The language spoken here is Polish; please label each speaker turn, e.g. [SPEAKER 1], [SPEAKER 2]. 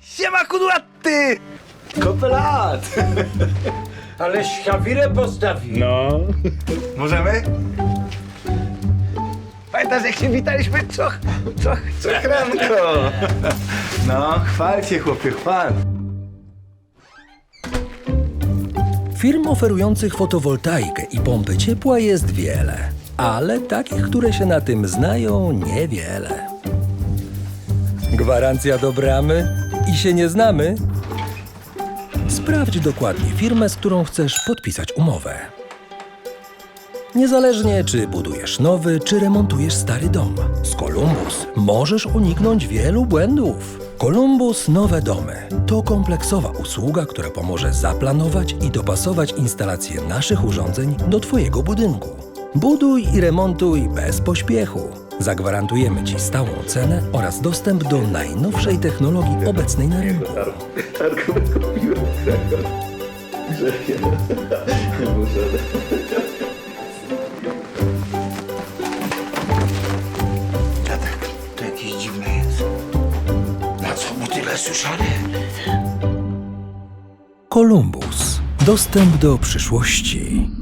[SPEAKER 1] Siema kudłaty!
[SPEAKER 2] Kopelat!
[SPEAKER 3] Ale świawirę postawi.
[SPEAKER 2] No.
[SPEAKER 1] Możemy? Pamiętasz jak się witaliśmy?
[SPEAKER 2] Czechranko! No, chwal się chłopie, chwal.
[SPEAKER 4] Firm oferujących fotowoltaikę i pompy ciepła jest wiele, ale takich, które się na tym znają, niewiele. Gwarancja do bramy i się nie znamy? Sprawdź dokładnie firmę, z którą chcesz podpisać umowę. Niezależnie, czy budujesz nowy, czy remontujesz stary dom, z Columbus możesz uniknąć wielu błędów. Columbus Nowe Domy to kompleksowa usługa, która pomoże zaplanować i dopasować instalację naszych urządzeń do Twojego budynku. Buduj i remontuj bez pośpiechu. Zagwarantujemy Ci stałą cenę oraz dostęp do najnowszej technologii obecnej na rynku.
[SPEAKER 1] Dziadek, to jakiś dziwny jest. Na co mu tyle suszary?
[SPEAKER 4] Columbus. Dostęp do przyszłości.